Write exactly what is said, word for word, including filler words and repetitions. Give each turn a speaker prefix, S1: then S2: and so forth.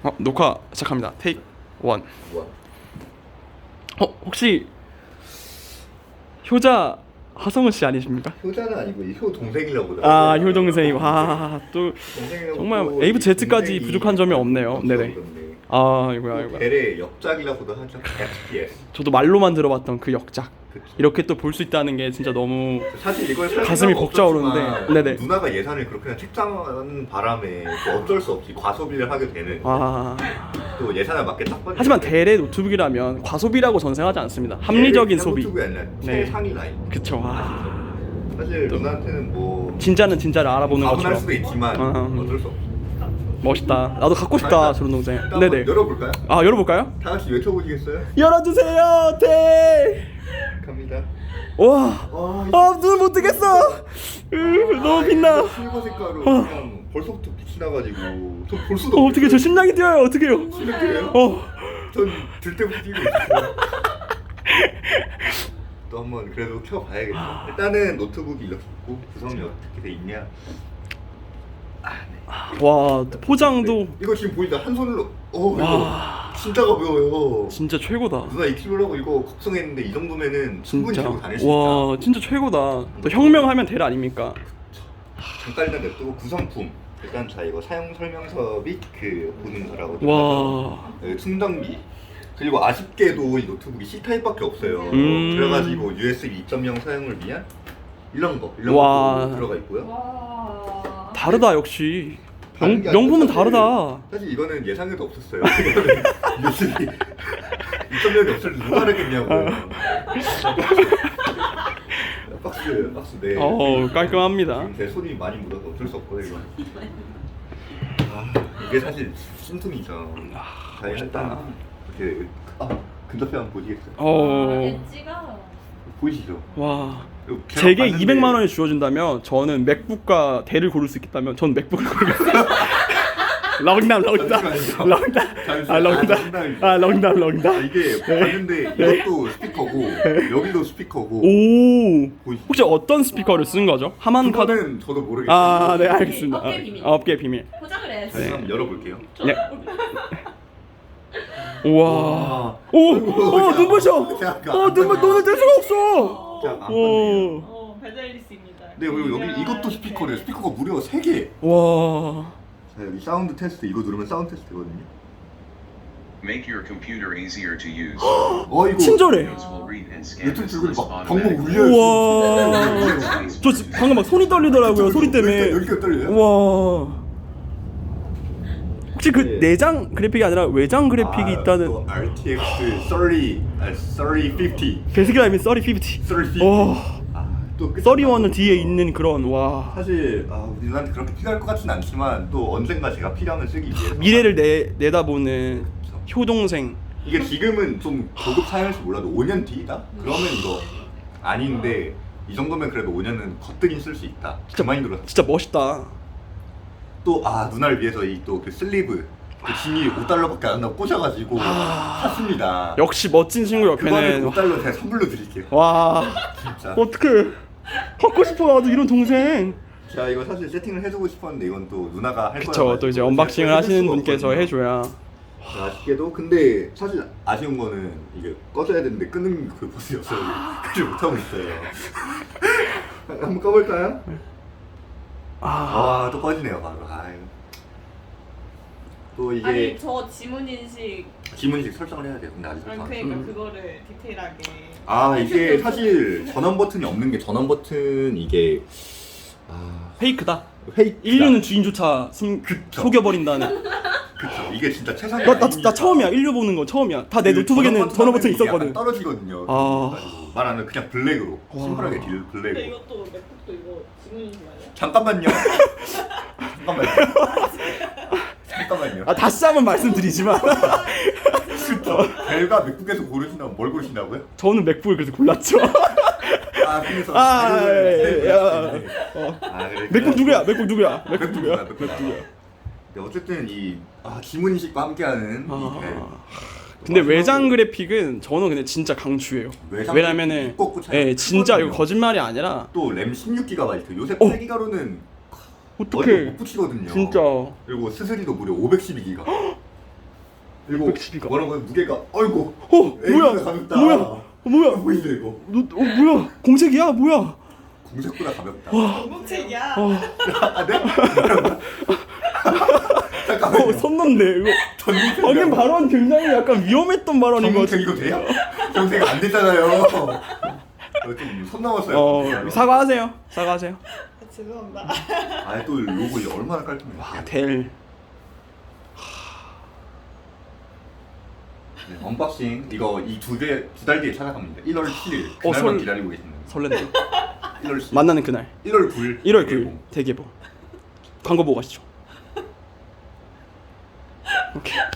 S1: 어, 녹화 시작합니다. 테이크 원. 어, 혹시 효자 하성우 씨 아니십니까?
S2: 효자는 아니고 이 효 동생이라고.
S1: 아, 효 동생. 와, 또 정말 에이 부터 Z까지 부족한 점이 없네요. 네네. 아, 이거야, 이거.
S2: 벨의 역작이라고도 하죠. 에프피에스.
S1: 저도 말로만 들어봤던 그 역작.
S2: 그쵸.
S1: 이렇게 또 볼 수 있다는 게 진짜 너무
S2: 사실 이걸 살
S1: 가슴이
S2: 생각
S1: 벅차오르는데.
S2: 없었지만
S1: 네네.
S2: 누나가 예산을 그렇게 책정하는 바람에 또 어쩔 수 없이 과소비를 하게 되는.
S1: 아.
S2: 또 예산에 맞게 딱 받는.
S1: 하지만 대래 노트북이라면 과소비라고 전생하지 않습니다. 합리적인 소비.
S2: 노트북이 아니라
S1: 네.
S2: 최상위 라인.
S1: 그쵸. 와.
S2: 사실 누나한테는 뭐
S1: 진짜는 진짜를 알아보는
S2: 과분할
S1: 것처럼.
S2: 수도 있지만
S1: 아.
S2: 어쩔 수 없어.
S1: 멋있다. 나도 갖고 싶다 저런 동생.
S2: 일단
S1: 네네.
S2: 한번 열어볼까요?
S1: 아, 열어볼까요?
S2: 다 같이 외쳐보시겠어요?
S1: 열어주세요. 대.
S2: 갑니다.
S1: 와.
S2: 와,
S1: 아, 눈 못 뜨겠어. 으, 너무 빛나.
S2: 실버 색깔로 그냥 벌써부터 빛이 나가지고 전 볼 수도
S1: 어, 어떻게 저 심장이 뛰어요. 어떻게요?
S2: 심각해요?
S1: 어.
S2: 전들 때부터 뛰고 있어요. 또 한번 그래도 켜봐야겠죠. 일단은 노트북이 이렇게 있고 구성이 어떻게 돼 있냐. 아, 네.
S1: 와, 포장도
S2: 네. 이거 지금 보인다. 한 손으로. 오, 이거
S1: 와.
S2: 진짜 가벼워요.
S1: 진짜 최고다.
S2: 누나 이 킬로라고 이거 걱정했는데 이 정도면은 충분히
S1: 진짜.
S2: 들고 다닐 수 있다.
S1: 와, 진짜 최고다. 또 혁명하면 될 아닙니까?
S2: 잠깐 일단 냅두고 구성품. 일단 자 이거 사용 설명서 및 그 보증서라고.
S1: 와.
S2: 여기 충전기. 그리고 아쉽게도 이 노트북이 C 타입밖에 없어요.
S1: 음.
S2: 그래가지고 유에스비 이 점 영 사용을 위한 이런 거, 이런
S1: 와.
S2: 거 들어가 있고요.
S3: 와.
S1: 다르다 역시.
S2: 다른
S1: 명,
S2: 게 아니라
S1: 명품은
S2: 사실-
S1: 다르다.
S2: 사실 이거는 예상에도 없었어요. 이거는 유에스비 이 점 영이 없을 때 누가 하겠냐고요. 박스, 박스 네.
S1: 어, 깔끔합니다.
S2: 제 손이 많이 묻어서 어쩔 수 없거든요. 이거. 아, 이게 사실 신통이죠. 자, 일단 이렇게 아, 근접해 한번 보시겠어요?
S1: 어.
S3: 엣지가
S2: 보이시죠?
S1: 와.
S2: 이거 제가
S1: 제게
S2: 봤는데
S1: 이백만 원이 주어진다면 저는 맥북과 대를 고를 수 있다면 전 맥북을 고르겠어요. 롱담 롱담
S2: 잠시만요.
S1: 롱담 아
S2: 잠시만요.
S1: 롱담
S2: 아,
S1: 아 롱담
S2: 아,
S1: 롱담.
S2: 이게 봤는데 이것도 스피커고 여기도 스피커고
S1: 오.
S2: 보이시죠?
S1: 혹시 어떤 스피커를 쓴 거죠? 하만 카드?
S2: 그거는 저도 모르겠어요.
S1: 아, 네 알겠습니다.
S3: 업계 비밀.
S1: 아, 업계 비밀.
S3: 포장을 해야지.
S2: 다시 한번 열어볼게요.
S1: 네. 우와. 오, 어 눈부셔. 어 눈물 눈을 뗄 수가 없어.
S2: 자, 안 봤네요.
S1: 오.
S3: 어, 베젤리스입니다.
S2: 네, 그리고 여기 이것도 스피커래요. 스피커가 무려 세 개.
S1: 와.
S2: 자, 여기 사운드 테스트 이거 누르면 사운드 테스트 되거든요.
S4: Make your computer easier to use.
S2: 어, 이거
S1: 친절해.
S4: Windows will read and scan
S2: 유튜브
S4: this
S2: 들고
S4: list
S2: 막 방금
S4: automatically.
S2: 울려요.
S1: 우와. 저 지- 방금 막 손이 떨리더라고요. 소리 때문에.
S2: 여기가 떨려요?
S1: 우와. 혹시 그
S2: 네.
S1: 내장 그래픽이 아니라 외장 그래픽이
S2: 아,
S1: 있다는
S2: 또 알티엑스 삼십, 아, 삼십,
S1: 베스키라임이 삼십,
S2: 삼십.
S1: 와.
S2: 아, 또 끝이
S1: 삼십일은
S2: 나고.
S1: 뒤에 있는 그런 와.
S2: 사실 아, 우리 누나한테 그렇게 필요할 것 같진 않지만 또 언젠가 제가 필요하면 쓰기 위해서
S1: 미래를 내 내다보는 효동생.
S2: 이게 지금은 좀 고급 사양일지 몰라도 오 년 뒤다? 그러면 이거 아닌데 이 정도면 그래도 오 년은 거뜬히 쓸 수 있다. 그 마인드로
S1: 진짜 멋있다.
S2: 또 아 누나를 위해서 이 또 그 슬리브 그 짐이 오 달러밖에 안 나고 꽂아가지고 샀습니다.
S1: 역시 멋진 친구
S2: 그거는
S1: 옆에는
S2: 오 달러 제가 선물로 드릴게요.
S1: 와.
S2: 진짜.
S1: 어떡해. 갖고 싶어 나도 이런 동생.
S2: 자 이거 사실 세팅을 해주고 싶었는데 이건 또 누나가 할 거야.
S1: 그쵸. 또 이제 언박싱을 하시는 분께서 해줘야.
S2: 아쉽게도 근데 사실 아쉬운 거는 이게 꺼져야 되는데 끄는 그 버스이 없어요. 그걸 못하고 있어요. 한번 꺼볼까요?
S1: 아.
S2: 아또 꺼지네요 바로. 아유. 또 이게
S3: 아니 저 지문 인식.
S2: 지문식 설정을 해야 돼요. 근데 아직
S3: 아니,
S2: 설정 안
S3: 그러니까
S2: 했어요.
S3: 그거를 디테일하게.
S2: 아 이게 사실 전원 버튼이 없는 게 전원 버튼 이게 아
S1: 페이크다.
S2: 페이크
S1: 인류는 주인조차 숨
S2: 그쵸.
S1: 속여버린다는.
S2: 그쵸 이게 진짜 최상의
S1: 나, 나, 나 처음이야. 인류 보는 거 처음이야. 다 내 노트북에는 전원 버튼 있었거든.
S2: 떨어지거든요.
S1: 아.
S2: 말하는 그냥 블랙으로
S1: 와.
S2: 심플하게 딜
S3: 근데
S2: 블랙으로.
S3: 이것도 맥북도 이거 지문 인식 아니야?
S2: 잠깐만요. 잠깐만요. 잠깐만요.
S1: 아 다시 한번 말씀드리지만
S2: 그쵸. 벨과 맥북에서 고르신다면 뭘 고르신다고요?
S1: 저는 맥북을 그래서 골랐죠.
S2: 아 그래서
S1: 아,
S2: 벨을-
S1: 예, 야.
S2: 벨을-
S1: 어.
S2: 아, 그래.
S1: 맥북 누구야? 맥북 누구야? 맥북
S2: 맥북
S1: 누구야?
S2: 누구야? 맥북
S1: 맥북이야.
S2: 네, 어쨌든 이 아, 지문 인식과 함께하는
S1: 아.
S2: 이 벨.
S1: 근데 외장 그래픽은 저는 근데 진짜 강추해요.
S2: 외장
S1: 왜냐면은
S2: 그래픽 두껍고 잘
S1: 예 진짜 이거
S2: 크거든요.
S1: 거짓말이 아니라
S2: 또 램 십육 기가바이트 요새
S1: 어.
S2: 팔 기가로는
S1: 어떡해
S2: 못 붙이거든요.
S1: 진짜.
S2: 그리고 스스리도 무려 오백십이 기가. 이거
S1: 육백십이가.
S2: 뭐라고 해? 무게가 어이구.
S1: 어
S2: 에이구가
S1: 뭐야?
S2: 가볍다.
S1: 뭐야? 어, 뭐야?
S2: 보이네 이거.
S1: 너, 어 뭐야? 공책이야? 뭐야?
S2: 공색보다 가볍다.
S3: 공책이야.
S1: 어,
S2: 아 네? 잠깐만요.
S1: 어, 손 넘네 이거.
S2: 전공책.
S1: 방금 발언 굉장히 약간 위험했던 발언인 것
S2: 전공책
S1: 같아.
S2: 이거 돼요? 전공책 안 되잖아요. 좀손 넘었어요.
S1: 어 사과하세요. 사과하세요.
S3: 아, 죄송합니다.
S2: 아또 로고 이거 얼마나 깔끔해.
S1: 와 델.
S2: 네, 언박싱 이거 이 두 개 두 달 뒤에 찾아갑니다. 일월 칠일
S1: 어,
S2: 그날만
S1: 설-
S2: 기다리고 계십니다.
S1: 설렌다.
S2: 일월 칠
S1: 만나는 그날.
S2: 일월 구일
S1: 일월 구일 대개봉. 광고 보고 가시죠. 오케이.